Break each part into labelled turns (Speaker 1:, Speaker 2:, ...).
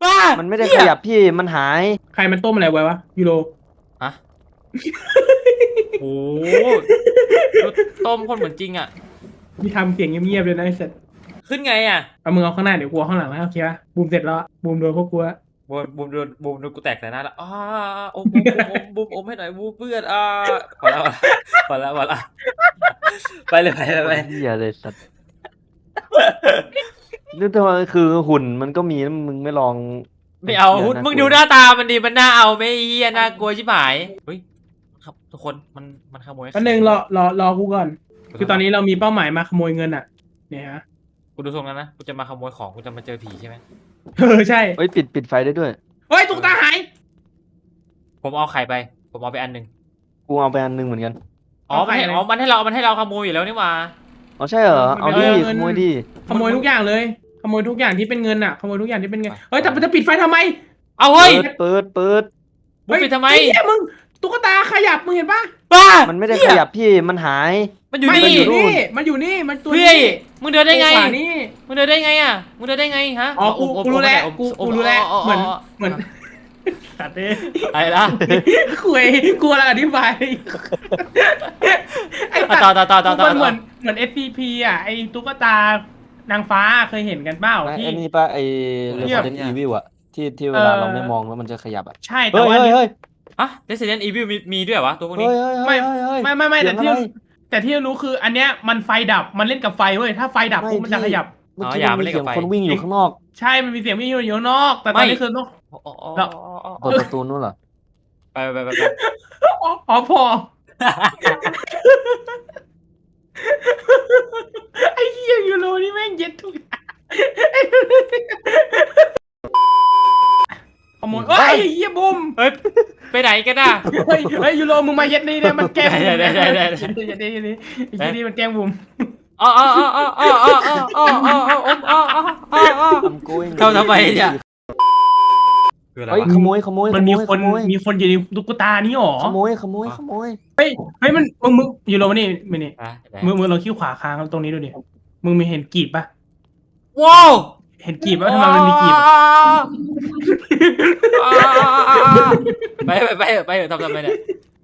Speaker 1: บ้า
Speaker 2: มันไม่ได้ขยับพี่มันหาย
Speaker 3: ใครมันต้มอะไรไว้วะยูโร
Speaker 1: ฮะโอ้ดูต้มคนเหมือนจริงอ่ะ
Speaker 3: มีทำเสียงเงียบๆเลยนะไอ้เสร็จ
Speaker 1: ขึ้นไงอ่ะ
Speaker 3: เอามึงเอาข้างหน้าเดี๋ยวกลัวข้างหลังนะโอเคปะบูมเสร็จแล้วบูมโดนพวกกลัว
Speaker 1: บูมโดนกูแตกใส่หน้าแล้วโอ้บูมให้หน่อยบูมเพื่อนพอแล้วพอแล้วไปเลยไป
Speaker 2: คนเหี้ยเลยสัตว์นี่ทำไมคือหุ่นมันก็มีนะมึงไม่ลอง
Speaker 1: ไม่เอา
Speaker 2: หี้ยน่
Speaker 1: มึง
Speaker 2: กลัว
Speaker 1: ดูหน้าตามันดีมันน่าเอาไม่เฮียน่ากลัวชิบหายเฮ้ยครับทุกคนมันขโมย
Speaker 3: อันหนึ่งรอกูก่อน คือตอนนี้เรามีเป้าหมายมาขโมยเงินอ่ะ เนี่ยฮะ
Speaker 1: กูดูทรงแล้วนะกูจะมาขโมยของกูจะมาเจอผีใช่ไหม
Speaker 3: ใช่
Speaker 2: เฮ้ยปิดไฟได้ด้วย
Speaker 3: เฮ้ยตุ๊กตาหาย
Speaker 1: ผมเอาไข่ไปผมเอาไปอันหนึ่ง
Speaker 2: กูเอาไปอันหนึงเหมือนกัน
Speaker 1: มันให้เราขโมยอยู่แล้วนี่หว่า
Speaker 2: อ๋อใช่เหรอเอาดิขโมยดิ
Speaker 3: ขโมยทุกอย่างเลย ขโมยทุกอย่างที่เป็นเงินอ่ะ ขโมยทุกอย่างที่เป็นเงิน เฮ้ยแต่จะปิดไฟทำไม
Speaker 1: เอาเฮ้ย
Speaker 2: เปิด
Speaker 1: บุกไปทำไม
Speaker 3: เฮ้ยมึงตุ๊กตาขยับมึงเห็นปะ
Speaker 1: บ้า
Speaker 2: มันไม่ได้ขยับพี่มันหาย
Speaker 1: มันอยู่
Speaker 3: ไม่
Speaker 1: นี่
Speaker 3: มันอยู่นี่มันตัว
Speaker 1: เฮ้
Speaker 3: นี้
Speaker 1: ยมึงเดินได้ไง
Speaker 3: ขวานี่
Speaker 1: มึงเดินได้ไงอ่ะมึงเดินได้ไงฮะ
Speaker 3: อ๋อกูรู้แล้วกูรู้แล้วเหมือนสัตว์เอ้ย
Speaker 1: อะไรล่ะ
Speaker 3: คุยกลัวอะไรอธิบายไอ้
Speaker 1: ต่อ
Speaker 3: มันเหมือน SCP อ่ะไอ้ตุ๊กตานางฟ้าเคยเห็นกันเปล่า
Speaker 2: ไอ้
Speaker 3: ที่
Speaker 2: นี่ป่ะไอ้
Speaker 3: เทียบ
Speaker 2: Resident Evil อะที่เวลาเราไม่มองแล้วมันจะขยับอะ
Speaker 3: ใช่แต่
Speaker 2: เฮ้ย
Speaker 3: ว่า
Speaker 2: เฮ้ย
Speaker 1: ฮะ Resident Evil มีด้วยเหรอวะตัวพวก
Speaker 2: เฮ้
Speaker 1: นี้
Speaker 2: ยเฮ้ย
Speaker 3: ไม่
Speaker 2: เฮ้ย
Speaker 3: ไม่
Speaker 2: เสี
Speaker 3: แต่
Speaker 2: ยง
Speaker 3: ที่
Speaker 2: อะไร
Speaker 3: รู้คืออันเนี้ยมันไฟดับมันเล่นกับไฟเว้ยถ้าไฟดับปุ๊บมันจะขยับ
Speaker 2: เมื่อกี้มันมีเสียงคนวิ่งอยู่ข้างนอก
Speaker 3: ใช่มันมีเสียงวิ่งอยู่ข้างนอก แต่ตอนนี้คือนก
Speaker 2: เปิดประตูนู้นเหรอ
Speaker 1: ไป
Speaker 3: อ๋อพอไอ้เหี้ยยูโรนี่แม่งเย็ดทุกอย่างขโมยเฮ้ยเหี้ยบุม
Speaker 1: เฮ้ยไปไหนกันอ่ะ
Speaker 3: เฮ้ยยูโรมึงมาเย็ดนี่เนี่ยมันแกล้งบุม
Speaker 1: ได้
Speaker 3: ไอ้เหี้ยนี่มันแกล้งบุม
Speaker 2: I'm going
Speaker 1: เข้าทำไมเนี่ยคืออะไร
Speaker 2: เฮ้ยว
Speaker 1: ะ
Speaker 2: ขโมย
Speaker 3: มันมีคนอยู่ในตุ๊กตานี้หรอ
Speaker 2: ขโมย
Speaker 3: เฮ้ยมึงยูโรมานี่มานี่
Speaker 1: ไหน
Speaker 3: มึงลองคิ้วขวาค้างตรงนี้ดูดิมึงมีเห็นกีบปะ
Speaker 1: ว้าว
Speaker 3: เห็นกีบปะทำไมมันมีกีบ
Speaker 1: ไปทำไมเนี่ย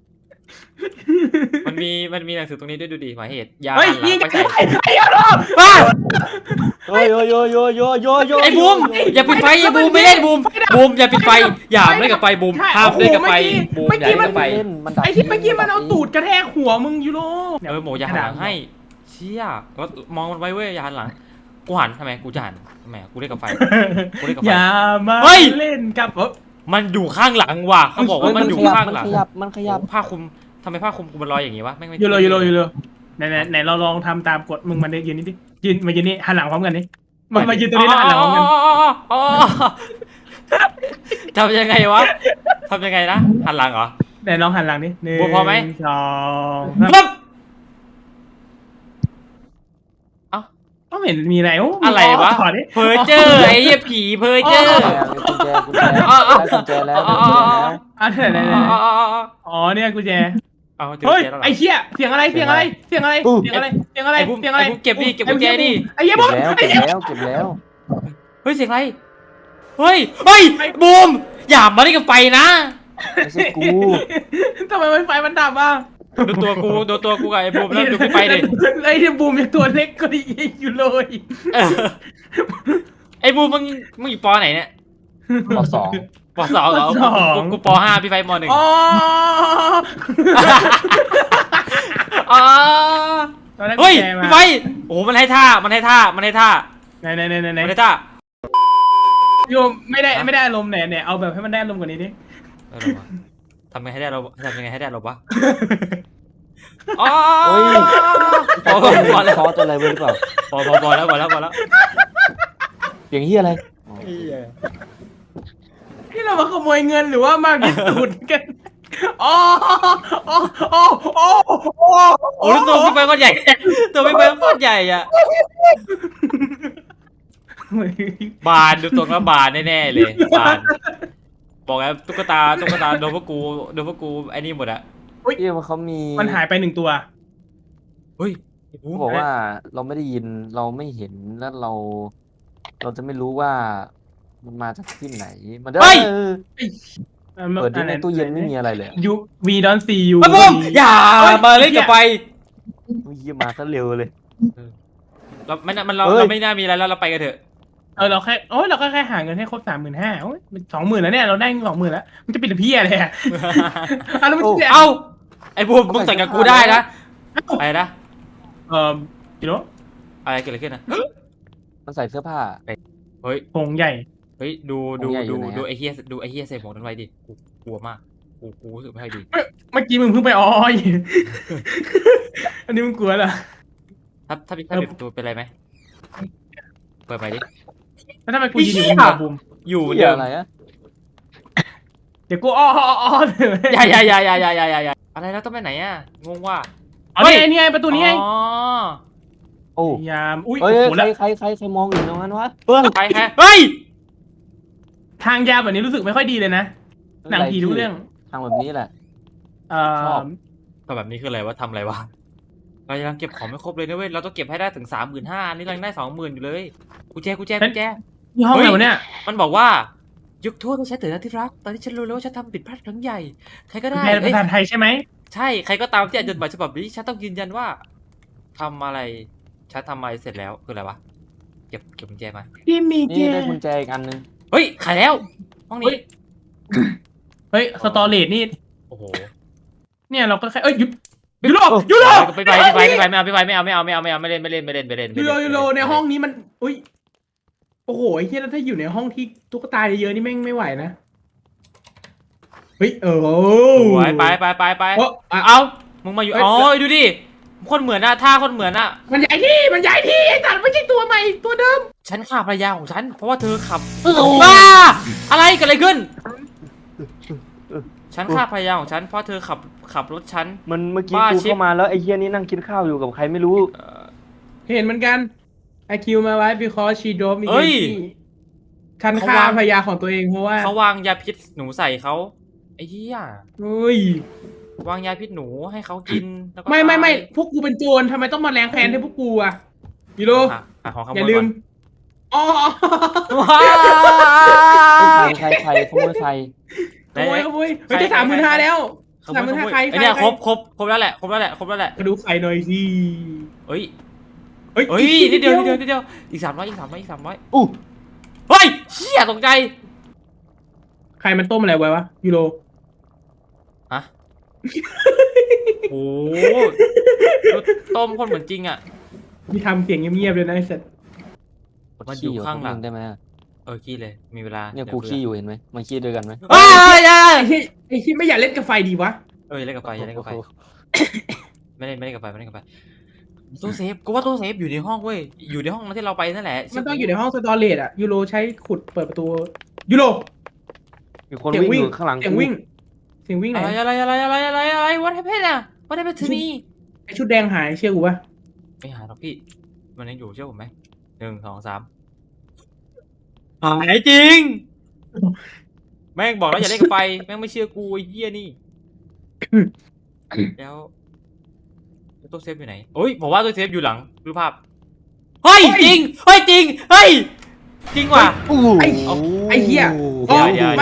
Speaker 1: มันมีหนังสือตรงนี้ด้วยดูดิหมายเหตุยา
Speaker 3: เฮ้ย
Speaker 1: หันหลั
Speaker 3: ยิ
Speaker 1: ง
Speaker 3: ง
Speaker 1: ไปใส่
Speaker 3: ไอ้ยูโร
Speaker 2: เฮ้ยโย
Speaker 1: ไอ้บูมอย่าปิดไฟอย่าบูมไม่เล่นบูมอย่าปิดไฟอย่าเล่นกับไฟบูมห้ามเล่นกับไฟบูมอย่าเล่นกับไฟ
Speaker 3: ไอ้ที่เมื่อกี้มันเอาตูดกระแทกหัวมึงยูโร
Speaker 1: หมูอย่าหันหลังให้เชี่ยก็มองมันไว้เว้ยอย่าหันหลังกูหันทำไมกูจะหันทำไมกูเล่นกับไฟ
Speaker 3: อย่ามา
Speaker 1: เฮ้ย
Speaker 3: เล่นกับ
Speaker 1: มันอยู่ข้างหลังว่ะเขาบอกว่ามันอยู่ข้างหลัง
Speaker 2: มันขยับ
Speaker 1: ผ้าคลุมทำไมผ้าคลุมกูมันลอยอย่างงี้วะแม่งไม่
Speaker 3: ยูโรไหนเราลองทำตามกฎมึงมายืนนี่ดิมายืนนี่หันหลังพร้อมกันนี่มายืนตรงนี้แล้วหันหลังพร้อมกัน
Speaker 1: ทำยังไงวะทำยังไงนะหันหลังเหรอ
Speaker 3: ไหนลองหันหลังนี่1
Speaker 1: บูมพอไหม
Speaker 3: 2
Speaker 1: ปึ๊บ
Speaker 3: ก็เห็นมีอะไร
Speaker 1: อะไรวะ
Speaker 3: ถอดดิ
Speaker 1: เพอเจอร์ไอ้เหี้ยผีเพอเจอร์
Speaker 2: กุญแจได้กุญแจแล้ว
Speaker 3: อ๋อเนี่ยกุญแจ
Speaker 1: เอาเจอ
Speaker 3: เฮ้ย
Speaker 1: เจอแล้วเหรอ
Speaker 3: ไอ้เหี้ยเสียงอะไรเก็บดิ
Speaker 1: ไอ้บุ้มเก็บกุญแจดิ
Speaker 3: ไอ้เหี้ยบุ้ม
Speaker 2: เก็บแล้ว
Speaker 1: เฮ้ยเสียงอะไรเฮ้ยบูมอย่ามาเล่นกับไฟนะ
Speaker 2: ไม่ใช่กู
Speaker 3: ทำไมไฟมันดับอ่ะ
Speaker 1: ดูตัวกูกับไอ้บูมแล้วดูไฟดิ
Speaker 3: ไอ้ที่บูมยังตัวเล็กก็ดีอยู่เลย
Speaker 1: ไอ้บูมมึงอยู่ปอไหนเนี่ย
Speaker 2: ปสอง
Speaker 1: ปสองเหรอกูปห้าพี่ไฟมหนึ่ง
Speaker 3: อ๋อ
Speaker 1: เฮ้ยพี่ไฟโอ้มันให้ท่าไหนท่า
Speaker 3: โยมไม่ได้อารมณ์ไหนเอาแบบให้มันได้อารมณ์กว่านี้ดิ
Speaker 1: ทำยังไงให้ได้เราวะ
Speaker 2: เฮ้ย
Speaker 1: พอแล้ว
Speaker 2: ซอตัวอะไรเว้ยหรือเปล่า
Speaker 1: พอแล้ว
Speaker 2: เสียงเฮียอะไร
Speaker 3: นี่เรามาขโมยเงินหรือว่ามาพิสูจน์กันอ๋อ
Speaker 1: โอ้ตัวพี่ไฟก้อนใหญ่อ่ะบานดูตรงแล้วบานแน่ๆเลยบานบอกแล้วตุ๊กตาโดนพวกกูไอ้นี่หมดอะ
Speaker 2: ที่เขามี
Speaker 3: มันหายไป1 ตัว
Speaker 1: เฮ้ย
Speaker 2: เขาบอกว่าเราไม่ได้ยินเราไม่เห็นแล้วเราจะไม่รู้ว่ามันมาจากที่ไหนมันจะ
Speaker 1: เฮ้ย
Speaker 2: เปิดที่ในตู้เย็นไม่มีอะไรเลย
Speaker 3: ยูวีดอนซียู
Speaker 1: มาบุ้มอย่ามาเล่นกับไฟ
Speaker 2: เยี่ยมาซะเร็วเลย
Speaker 1: เราไม่น่าเรา
Speaker 2: เฮ้ย
Speaker 1: เราไม่น่ามีอะไรแล้วเราไปกันเถอะ
Speaker 3: เราแค่หาเงินให้ครบ35,000โอ้ย20,000แล้วเนี่ยเราได้20,000แล้วมันจะปิดเพี้ยอะไรอ่ะแล้วมันจะ
Speaker 1: เอ้าไอ้บูมมึงใส่กับกูได้นะอะไรนะ
Speaker 3: กิโล
Speaker 1: อะไรเกิดอะไรขึ้นนะ
Speaker 2: มันใส่เสื้อผ้า
Speaker 1: เฮ้ย
Speaker 3: ผงใหญ่
Speaker 1: เฮ้ยดู
Speaker 2: ผมใหญ่อยู่ไหนอะ
Speaker 1: ดูไอ้เฮียใส่หมวกนั้นไว้ดิกูกลัวมากกูรู้สึกไม่ค่อยดี
Speaker 3: เมื่อกี้มึงเพิ่งไปอ้อย อันนี้มึงกลัวเหรอ
Speaker 1: ถ้าปิดประตูเป็นไรไหมเปิดไปดิ
Speaker 3: แล้วทำไมกูยืนอยู่บนหัวบูม
Speaker 1: อยู่เหมือน
Speaker 2: เหี้
Speaker 1: เดิ
Speaker 2: ย
Speaker 1: ม
Speaker 2: อะไรอะ
Speaker 3: เดี๋ยวกูอ้อเลย
Speaker 1: อย่าอะไรแล้วต้องไปไหนอ่ะงงว่า
Speaker 3: เอานี่ไงประตูนี้ไง
Speaker 1: อ๋อ
Speaker 2: โอ้
Speaker 3: พยายามอุ้ย
Speaker 2: เฮ้ย
Speaker 3: โอ้โหแล้ว
Speaker 2: ใครมองอยู่ตรงนั้นวะเพื่อน
Speaker 1: ใครเฮ้ย
Speaker 3: ทางยาวแบบนี้รู้สึกไม่ค่อยดีเลยนะหนังผีทุกเรื่อง
Speaker 2: ทางแบบนี้แหละ ชอบ
Speaker 1: ก็แบบนี้คืออะไรวะทำอะไรวะเรายังเก็บของไม่ครบเลยนะเว้ยเราต้องเก็บให้ได้ถึง35,000นี่เรายังได้20,000อยู่เลยกุญแจ
Speaker 3: ที่ห้องไหนวะเนี่ย
Speaker 1: มันบอกว่ายกโทษให้ฉันเถิดนะที่รักตอนที่ฉันรู้แล้วว่าฉันทำผิดพลาดครั้งใหญ่ใครก็ได้
Speaker 3: แปลเป็นภาษาไทยใช่ไหม
Speaker 1: ใช่ใครก็ตามที่อ่านจดหมายฉบับนี้ฉันต้องยืนยันว่าทำอะไรฉันทำอะไรเสร็จแล้วคืออะไรวะเก็บกุญแจมา
Speaker 3: พี่มีเจ
Speaker 2: นี่ได้กุญแจอีกอันนึง
Speaker 1: เฮ้ยขายแล้วห้องนี้
Speaker 3: เฮ้ยสตอเรจนี่
Speaker 1: โอ้โห
Speaker 3: เนี่ยเราก็แค่หยุดยูโร
Speaker 1: ไปไม่เอาไม่เล่น
Speaker 3: ยูโรในห้องนี้มันอุ้ยโอ้โหไอ้เหี้ยแล้วถ้าอยู่ในห้องที่ตุ๊กตาเยอะๆนี่แม่งไม่ไหวนะเฮ้ย
Speaker 1: ไป
Speaker 3: เอา
Speaker 1: เอามึงมาอยู่อ๋อดูดิคนเหมือนอะท่าคนเหมือนอะ
Speaker 3: มันใหญ่ที่ไอ้สัตว์ไม่ใช่ตัวใหม่ตัวเดิม
Speaker 1: ฉันฆ่าภรรยาของฉันเพราะว่าเธอขับบ้าอะไรเกิดอะไรขึ้นฉันฆ่าภรรยาของฉันเพราะเธอขับรถฉัน
Speaker 2: มันเมื่อกี้
Speaker 1: บ้า
Speaker 2: กู
Speaker 1: ชิบ
Speaker 2: เข้ามาแล้วไอ้เหี้ยนี่นั่งกินข้าวอยู่กับใครไม่รู้
Speaker 3: เห็นเหมือนกันไอคิวมาไว้ because she drove me
Speaker 1: เฮ้ย
Speaker 3: ฉันฆ่าภรรยาของตัวเองเพราะว่า
Speaker 1: เขาวางยาพิษหนูใส่เขาไอ้เหี้ย
Speaker 3: เฮ้ยว
Speaker 1: างยาพิษหนูให้เขากินแล้วก็
Speaker 3: ไม่
Speaker 1: ตาย
Speaker 3: พวกกูเป็นโจรทำไมต้องมาแรงแค้นให้พวกกูอะยูโร
Speaker 1: หาของขโม
Speaker 3: อย่าย ลื
Speaker 1: ก่อ
Speaker 3: ม
Speaker 1: น
Speaker 3: อ๋อ
Speaker 1: ว้า
Speaker 2: ใครขโมยใคร
Speaker 3: ขโมยเฮ้ยได้35,000แล้ว 35,000ใคร
Speaker 1: ไอ้เนี่ยครบแล้วแหละครบแล้วแหละ
Speaker 3: มาดูไข่หน่อยสิ
Speaker 1: เฮ้ยนิดเดียวอีก300
Speaker 2: อู้
Speaker 1: เฮ้ยเชี่ยตกใจ
Speaker 3: ไข่มันต้มอะไรไว้วะยูโร
Speaker 1: ฮะโอ้โหต้มคนเหมือนจริงอ่ะ
Speaker 3: มีทำเสียงเงียบๆเลยนะไอ้สัตว์
Speaker 1: มันอยู่ข้างหลัง
Speaker 2: ได้ไหม
Speaker 1: ขี้เลยมีเวลา
Speaker 2: เนี่ยกูขี้อยู่เห็นไหมมาขี้ด้วยกันไหม
Speaker 1: เฮ้ย
Speaker 3: ไอ้ที่ไม่อยากเล่นกับไฟดีวะ
Speaker 1: เล่นกับไฟไม่เล่นกับไฟตู้เซฟกูว่าตู้เซฟอยู่ในห้องเว้ยอยู่ในห้องที่เราไปนั่นแหละ
Speaker 3: มันต้องอยู่ในห้องสตอเรจอะยูโรใช้ขุดเปิดประตูยูโร
Speaker 2: มีคนวิ่งอยู่ข้างหลัง
Speaker 3: เสียงวิ่งไหน
Speaker 1: อะไร what happened อ่ะ what happened to me
Speaker 3: ไอชุดแดงหายเชื่อกูปะ
Speaker 1: ไม่หาหรอกพี่มันยังอยู่เชื่อผมไหม1 2 3หายจริงแม่งบอกแล้วอย่าเล่นกับไฟแม่งไม่เชื่อกูไอ้เหี้ยนี่แล้วตู้เซฟอยู่ไหนโอ้ยผมว่าตู้เซฟอยู่หลังรูปภาพเฮ้ยจริงจริงว่ะ
Speaker 3: ไอ้เหี้ย
Speaker 1: เดี๋ยว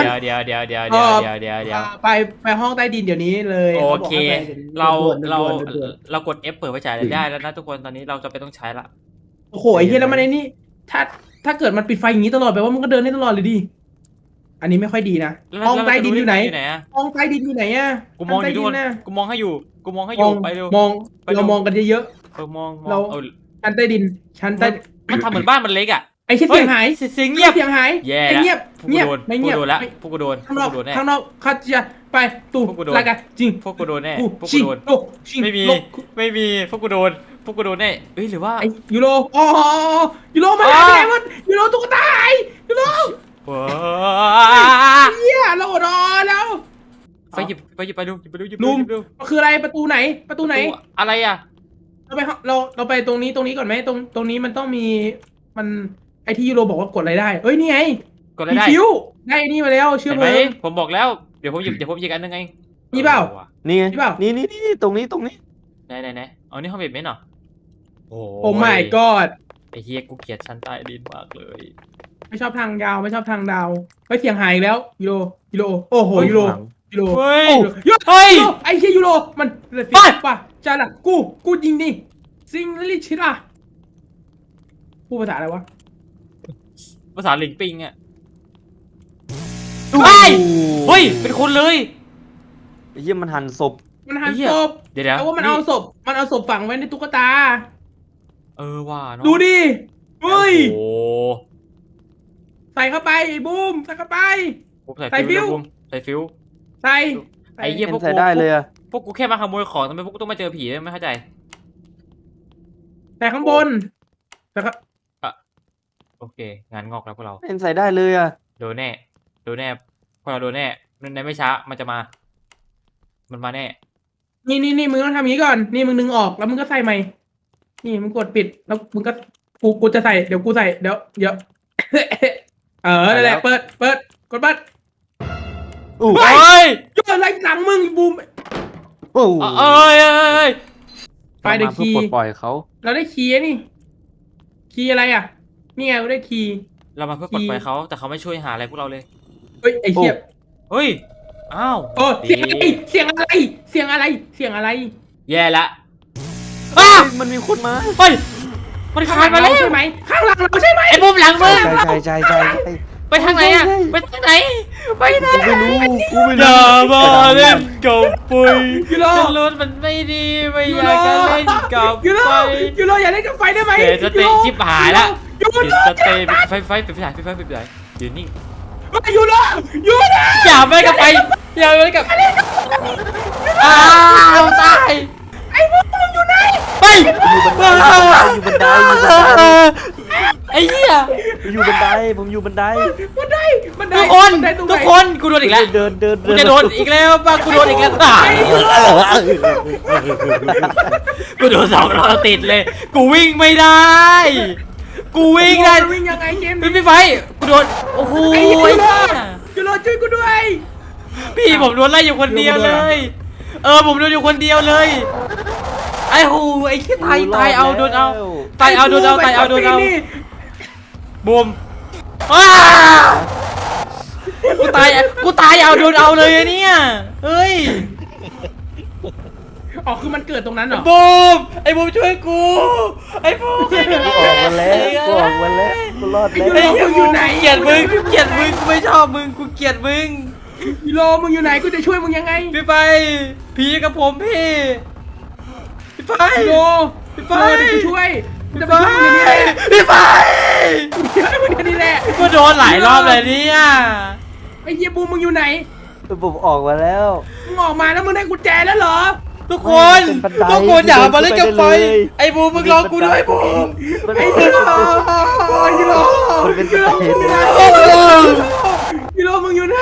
Speaker 3: ไปห้องใต้ดินเดี๋ยวนี้เลย
Speaker 1: โอเคเรา
Speaker 3: ด่วน
Speaker 1: กด F เปิดไว้ฉายได้แล้วนะทุกคนตอนนี้เราจะไปต้องใช้ละ
Speaker 3: โอ้โหไอ้เหี้ยแล้วมันไอ้นี่ถ้าเกิดมันปิดไฟอย่างนี้ตลอดแปลว่ามันก็เดินได้ตลอดเลยดิอันนี้ไม่ค่อยดีนะห้องใต้ดินอยู่ไหนห้องใต้ดินอยู่ไหนอะ
Speaker 1: กูมองอยู่ทุกคนกูมองให้อยู่ไปเร็ว
Speaker 3: เรามองกันเยอะ
Speaker 1: มอง
Speaker 3: ๆชั้นใต้ดิน
Speaker 1: มันทำเหมือนบ้านมันเล็กอ่ะ
Speaker 3: ไอ้เสียงหาย
Speaker 1: เสียงเงียบ
Speaker 3: เสียงหาย
Speaker 1: แย่
Speaker 3: เงียบไม่เงียบ
Speaker 1: พวกกูโดนแล้วพวกกูโดน
Speaker 3: ข้างนอกเขาจะไปตู่ลากันจริง
Speaker 1: พวกกูโดนแน่พวกกู
Speaker 3: ชิง
Speaker 1: โดน
Speaker 3: โลชิง
Speaker 1: ไม่มีพวกกูโดนแน่เอ้ยหรือว่า
Speaker 3: ไอ้ยูโรอ๋อยูโรมาแล้วไงมันยูโรตุ๊กตายูโร
Speaker 1: ว้า
Speaker 3: เฮียเราอดรอแล้ว
Speaker 1: ไปหยิบไปดู
Speaker 3: มันคืออะไรประตูไหน
Speaker 1: อะไรอ่ะ
Speaker 3: เราไปตรงนี้ก่อนไหมตรงนี้มันต้องมีมันไอที่ยูโรบอกว่ากดอะไรได้เอ้ยนี่ไง
Speaker 1: กดอะไรได้
Speaker 3: คิวได้นี่มาแล้วเชื่อ
Speaker 1: เห็นไห
Speaker 3: เพ
Speaker 1: ม
Speaker 3: ลิง
Speaker 1: ผมบอกแล้วเดี๋ยวผมหยิบอันนึงไง
Speaker 3: นี่เปล่า
Speaker 2: นี่ไง
Speaker 3: นี่เปล่า
Speaker 2: นี่ตรงนี้
Speaker 1: ไหนอ๋อนี่ห้องเบ็ดเมนเหรอโอ้
Speaker 3: โอ้ my god
Speaker 1: ไอ้เฮียกูเกลียดชั้นใต้ดินมากเลย
Speaker 3: ไม่ชอบทางยาวไม่ชอบทางดาวเฮ้ยเสียงหายอีกแล้วยูโรโอ้โหยูโรยูโร
Speaker 1: เฮ้ย
Speaker 3: ยูโร
Speaker 1: เฮ้ย
Speaker 3: ไอ้เหี้ยยูโรมันเสี
Speaker 1: เฮ้
Speaker 3: ย
Speaker 1: ย
Speaker 3: งป่ะจ้าละกูยิงดิซิงลิชิระพูดภาษาอะไรวะ
Speaker 1: ภาษาหลิงปิงอ่ะ
Speaker 2: โอ้
Speaker 1: เฮ้ย
Speaker 2: โห
Speaker 1: เฮ้ยเป็นคนเลย
Speaker 2: ไอ้เหี้ยมันหั่นศพ
Speaker 3: มันหัน
Speaker 1: ไอ้เหี้ย
Speaker 3: ศพ
Speaker 1: เดี๋ยว
Speaker 3: แต่ว่ามันเอาศพฝังไว้ในตุ๊กตา
Speaker 1: เออว่าเนาะ
Speaker 3: ดูดิเฮ้ย
Speaker 1: โอ้โห
Speaker 3: ใส่เข้าไปบูมใส่เข้าไป
Speaker 1: ปุ๊บใส่
Speaker 3: ใส่
Speaker 1: ฟิว
Speaker 3: ฟิว
Speaker 1: ปุ๊บใส่ฟิว
Speaker 3: ใส่
Speaker 1: ไอ้เหี้ย
Speaker 2: เป็นใส่ได้เลยอะ
Speaker 1: พวกกูแค่มาขโมยของทำไมพวกกูต้องมาเจอผีไม่เข้าใจ
Speaker 3: ใส่ข้างบนแล้วก็
Speaker 1: โอเคงานงอกแล้วพวกเรา
Speaker 2: เป็นใส่ได้เลยอะ
Speaker 1: โดนแน่พวกเราโดนแน่ในไม่ช้ามันจะมา มันมาแน่
Speaker 3: นี่มึงต้องทำอย่างนี้ก่อนนี่มึงดึงออกแล้วมึงก็ใส่ใหม่นี่มึงกดปิดแล้วมึงก็กูจะใส่เดี๋ยวกูใส่เดี๋ยว นั่นแหละเปิดกดเปิด
Speaker 2: อู้
Speaker 3: เฮ้
Speaker 1: เฮ้ย
Speaker 3: ยอะไรหลังมึงบูม
Speaker 2: โอ้โห
Speaker 1: เอ้ย
Speaker 3: ไฟเดอะ
Speaker 2: มาเพื่อ
Speaker 3: คีย์
Speaker 2: ปลดปล่อยเขา
Speaker 3: เราได้คีย์นี่คีย์อะไรอ่ะนี่ไงเราได้คีย์
Speaker 1: เรามาเพื่อปลดปล่อยเขาแต่เขาไม่ช่วยหาอะไรพวกเราเลย
Speaker 3: เฮ้ยไอ้เหี้ย
Speaker 1: เฮ้ยอ้าว
Speaker 3: โอ้
Speaker 1: ดี
Speaker 3: เสียงอะไรเสียงอะไร
Speaker 1: แย่ละ
Speaker 2: เฮ้
Speaker 1: อ้า
Speaker 2: ยว มันมีคนมา
Speaker 1: เฮ้ยมันคลายมาแล้ว
Speaker 3: ใช่ไหมข้างหลังเราใช่ไหม
Speaker 1: ไอ้มุมหลังมึง
Speaker 2: ใช่
Speaker 1: ไปทางไหนอะไปทางไหนไปไหน
Speaker 2: กูไม่รู้
Speaker 1: อย่ามาเล่นกับปุย
Speaker 3: ยูโร
Speaker 1: ฉันรู้มันไม่ดีไม่อยากจะเล่นกับ
Speaker 3: ยูโร
Speaker 1: ไฟ
Speaker 3: ยูโรอย่าเล่นกับไฟได้ไหม
Speaker 1: เดี๋ยวจะเตะชิบหายละ
Speaker 3: ยูโร
Speaker 1: เดี๋ยวจะเตะไฟปิดไฟยืนนิ่ง
Speaker 3: ยูโร
Speaker 1: อย่าไปกับไฟอย่าไปกับอ้าวตาย
Speaker 3: ไอ้พวกมึงอยู่ไหน
Speaker 1: ไป
Speaker 2: อยู่บันได
Speaker 1: ไอ้เหี้ย
Speaker 2: อยู่บันไดผมอยู่บันได
Speaker 3: บันได
Speaker 1: ทุกคน
Speaker 3: บันไดตรงไหน
Speaker 1: ทุกคนกูโดนอีกแล้ว
Speaker 2: เดิน
Speaker 1: กูจะโดนอีกแล้วป่ะกูโดนอีกแล้วตายกูโดน2 รอบติดเลย กูวิ่งไม่ได้ กูวิ่งได้
Speaker 3: วิ่งยังไงเกม
Speaker 1: ไม่ไฟกูโดนโอ้โห
Speaker 3: ไอ้ยูโรยูโรช่วยกูด้วย
Speaker 1: พี่ผมโดนไล่อยู่คนเดียวเลย ผมโดนอยู่คนเดียวเลย ไอ้หูไอ้ขี้ตายเอาโดนเอาตายเอาโดนเอาบูมกูตายเอาโดนเอาเลยเนี่ยเฮ้ย
Speaker 3: อ๋อคือมันเกิดตรงนั้นเหรอ
Speaker 1: บูมไอ้บูมช่วยกูไอ้บูมช่วยกู
Speaker 2: ออกมาแล้วกูรอดแล้ว
Speaker 1: ไอ้เหี้ยบูมเกลียดมึงกูไม่ชอบมึงกูเกลียดมึง
Speaker 3: ยูโรมึงอยู่ไหนกูจะช่วยมึงยังไง
Speaker 1: พี่ไปผีกับผมพี่ไป
Speaker 3: ยูโร
Speaker 1: พี่ไป
Speaker 3: เดี๋ยวกูช่วยกูจะ
Speaker 1: พี่
Speaker 3: ไป
Speaker 1: ไป
Speaker 3: ช่วยมึงเดี๋ยวนี้แหละ
Speaker 1: พี่ไป
Speaker 3: เดี๋ยวมึงเดี๋ยวนี้แหละ
Speaker 1: กูโดนหลายรอบเลยเนี่ย
Speaker 3: ไอ้เหี้ยบูมมึงอยู่ไหน
Speaker 2: ผมออกมาแล้ว
Speaker 3: มึงออกมาแล้วมึงได้กุญแจแล้วเหรอ
Speaker 1: ทุกคน
Speaker 2: เป็นบันได
Speaker 1: ทุกคนอย่ามาเล่นกับไฟ
Speaker 2: เดินไปเลย
Speaker 1: ไอ้บูมมึงรอกูด้วยบูม
Speaker 3: ไอ้ยูโรไอ้ยูโร
Speaker 2: มันเป็น
Speaker 3: ยู
Speaker 2: บัน
Speaker 3: โร
Speaker 2: ได
Speaker 3: ยูโรมึงอยู่ไหน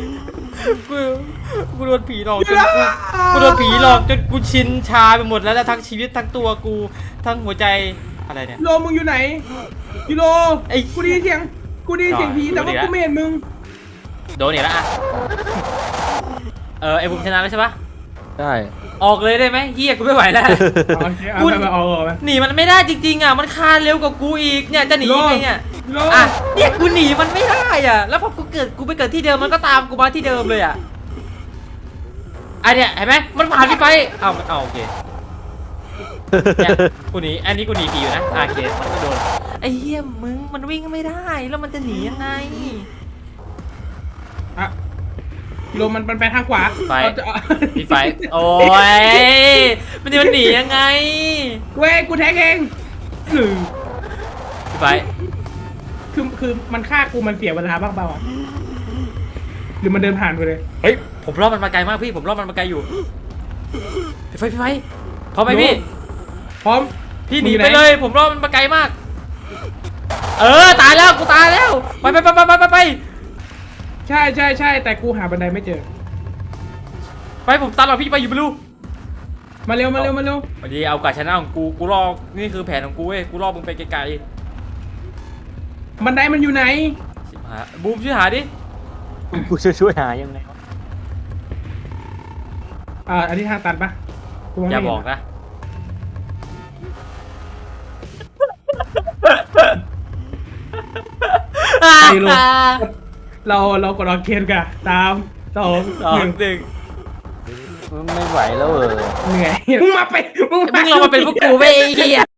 Speaker 1: กูโดนผีหลอกจนกูโดนผีหลอกจนกูชินชาไปหมดแล้วทั้งชีวิตทั้งตัวกูทั้งหัวใจอะไรเนี่ย
Speaker 3: ยูโรมึงอยู่ไหนยูโร
Speaker 1: ไอ้
Speaker 3: กูได้ยินเสียงผีแต่ว่ากูไม่เห็นมึง
Speaker 1: โดนอีกแล้วอ่ะไอ้บูมชนะแล้วใช่ปะ
Speaker 2: ได้
Speaker 1: ออกเลยได้ไหมเฮียกูไม่ไหวแล้ว
Speaker 3: โอเคเอาไปเอาไป
Speaker 1: หนีมันไม่ได้จริงๆอ่ะมันคานเร็วกว่ากูอีกเนี่ยจะหนียังไงเนี่ย
Speaker 3: ยูโร
Speaker 1: อ่ะเนี่ยกูหนีมันไม่ได้อ่ะแล้วพอกูไปเกิดที่เดิมมันก็ตามกูมาที่เดิมเลยอ่ะอันเนี้ยเห็นไหมมันผ่านพี่ไปเอาโอเคเนี่ยกูหนีอันนี้กูหนีผีอยู่นะโอเคมันก็โดนไอ้เหี้ยมึงมันวิ่งไม่ได้แล้วมันจะหนียังไง
Speaker 3: อ่ะยูโรมันไปทางขวา
Speaker 1: ไป
Speaker 3: เอาจะ
Speaker 1: พี่ไฟโอ้ยมันจะมันหนียังไง
Speaker 3: เว้ยกูแท็กเองหรือ
Speaker 1: พี่ไฟ
Speaker 3: คือมันฆ่ากูมันเสียเวลาบ้างเปล่าอ่ะหรือมันเดินผ่านไปเลย
Speaker 1: เฮ้ยผมรอบมันมาไกลมากพี่ผมรอบมันมาไกลอยู่พี่ไฟพร้อมไหมพี่
Speaker 3: พร้อม
Speaker 1: พี่หนีไปเลยผมรอบมันมาไกลมาก ตายแล้วกูตายแล้วไป
Speaker 3: ใช่แต่กูหาบันไดไม่เจอ
Speaker 1: ไปผมตามหรอกพี่ไปอยู่ไม่รู้
Speaker 3: มาเร็ว
Speaker 1: วันนี้เอากาชนะของกูรอนี่คือแผนของกูเว้ยกูรอมึงไปไกล
Speaker 3: บันไดมันอยู่ไหน
Speaker 1: ๆชิบหายบูมช่วยหาดิ
Speaker 2: กูจะช่วยหายังไงวะ
Speaker 3: อันนี้ทางตันปะมง
Speaker 1: อย่า
Speaker 3: ไม่เห็น
Speaker 1: บอกนะ
Speaker 3: ไปลง เรากดออกเคนกัน3 2 1
Speaker 2: ไม่ไหวแล้ว
Speaker 3: เหนื่อยมึงมาเป็น
Speaker 1: มึงลองมาเป็นพวกกูไปไอ้เหี้ย